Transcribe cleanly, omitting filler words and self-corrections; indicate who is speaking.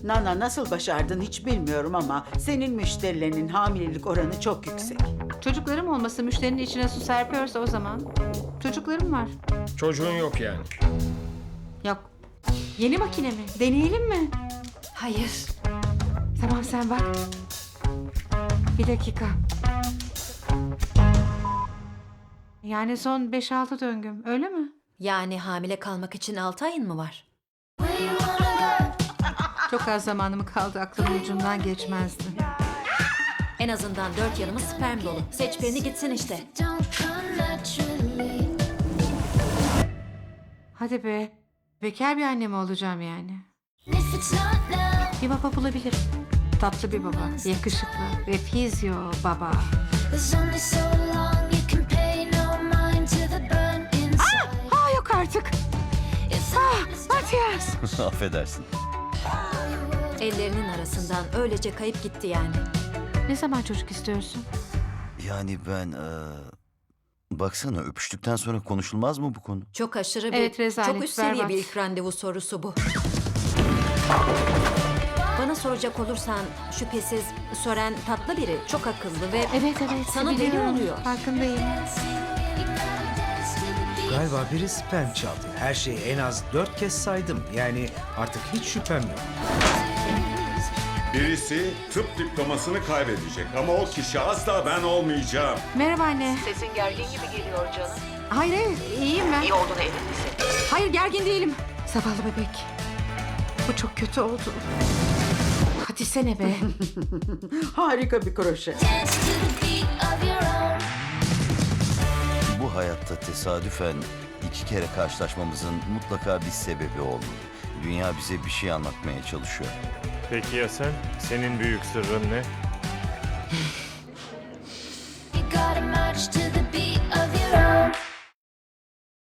Speaker 1: Nana nasıl başardın hiç bilmiyorum ama senin müşterilerinin hamilelik oranı çok yüksek.
Speaker 2: Çocuklarım olması müşterinin içine su serpiyorsa o zaman. Çocuklarım var.
Speaker 3: Çocuğun yok yani.
Speaker 2: Yok. Yeni makine mi? Deneyelim mi?
Speaker 4: Hayır.
Speaker 2: Tamam sen bak. Bir dakika. Yani son 5-6 döngüm öyle mi?
Speaker 4: Yani hamile kalmak için 6 ayın mı var?
Speaker 2: Çok az zamanım kaldı, aklımın ucundan geçmezdi.
Speaker 4: En azından 4 yanımız sperm dolu. Seç birini gitsin işte.
Speaker 2: Hadi be. Bekar bir anne mi olacağım yani? Bir baba bulabilirim. Tatlı bir baba, yakışıklı ve fizyo baba. Yok artık. Matias.
Speaker 5: Affedersin.
Speaker 4: Ellerinin arasından öylece kayıp gitti yani.
Speaker 2: Ne zaman çocuk istiyorsun?
Speaker 5: Yani ben... baksana öpüştükten sonra konuşulmaz mı bu konu?
Speaker 4: Çok aşırı bir,
Speaker 2: Evet, rezalet,
Speaker 4: çok üst seviye
Speaker 2: berbat.
Speaker 4: bir ilk randevu sorusu bu. Bana soracak olursan şüphesiz Sören tatlı biri, çok akıllı ve
Speaker 2: Evet.
Speaker 4: sana deli
Speaker 2: biliyorum.
Speaker 4: oluyor.
Speaker 2: Farkındayım.
Speaker 6: Galiba biri sperm çaldı. Her şeyi en az 4 kez saydım. Yani artık hiç şüphem yok.
Speaker 7: Birisi tıp diplomasını kaybedecek ama o kişi asla ben olmayacağım.
Speaker 2: Merhaba anne.
Speaker 8: Sesin gergin gibi geliyor canım.
Speaker 2: Hayır, iyiyim ben.
Speaker 8: İyi olduğuna emin misin?
Speaker 2: Hayır, gergin değilim. Zavallı bebek. Bu çok kötü oldu. Hadi sene be.
Speaker 1: Harika bir kroşe.
Speaker 5: Bu hayatta tesadüfen 2 kere karşılaşmamızın mutlaka bir sebebi olmalı. Dünya bize bir şey anlatmaya çalışıyor.
Speaker 3: Peki ya sen? Senin büyük sırrın ne?